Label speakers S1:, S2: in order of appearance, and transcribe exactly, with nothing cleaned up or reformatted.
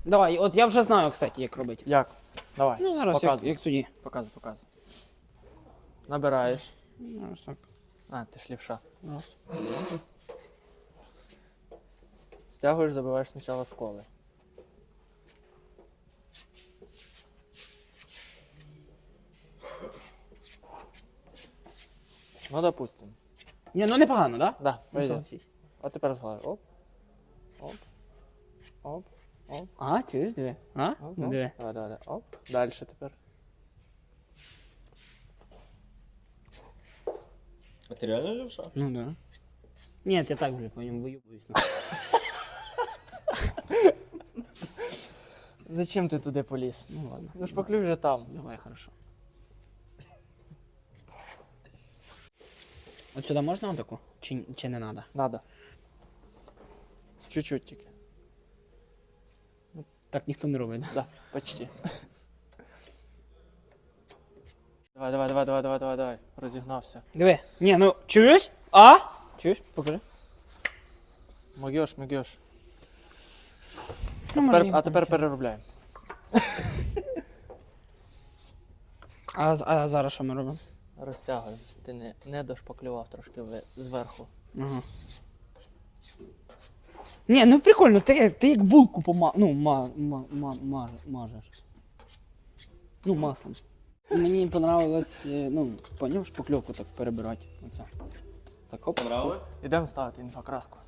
S1: Давай, от я вже знаю, кстати, як робити.
S2: Як? Давай.
S1: Ну, зараз як,
S2: показуй.
S1: як тоді.
S2: Показуй, показуй. Набираєш.
S1: Зараз так.
S2: А, ти ж лівша.
S1: Раз.
S2: Стягуєш, забиваєш спочатку з коли. Ну, допустим.
S1: Ні, ну непогано, так?
S2: Да,
S1: Ну,
S2: пойдет.
S1: согласись.
S2: А тепер згладиш. Оп. Оп. Оп. Оп.
S1: А, чуєш, диви. А?
S2: Оп.
S1: Ну,
S2: Оп.
S1: диви.
S2: Давай, давай, давай. Оп. Дальше тепер.
S3: А ти реально левша?
S1: Ну, да. Ні, я так вже по ньому виюбуюсь.
S2: Зачем ти туди поліз?
S1: Ну, ладно.
S2: Ну, шпаклюй вже там.
S1: Давай, хорошо. От сюди можна отаку? Чи, чи не треба?
S2: Надо. Чуть-чуть тільки.
S1: Так ніхто не робить, да?
S2: Да, почти. Давай, давай, давай, давай, давай, давай, давай. Розігнався.
S1: Диви. Ні, ну, чуєш? А? Чуєш? Покажи.
S2: Могеш, могеш.
S1: Ну,
S2: Тепер,
S1: може,
S2: а
S1: я
S2: тепер переробляємо.
S1: А, з- а зараз що ми робимо?
S2: Розтягуємо. Ти не, не дошпаклював трошки ви- зверху.
S1: Ага. Ні, ну прикольно, ти, ти як булку пома... ну, ма, ма, ма, маж, мажеш. Ну, маслом. Мені понравилось, е, ну, поняв, шпакльовку так перебирати. Оце. Так, оп.
S3: Понравилось?
S2: Ідемо ставити інфокраску.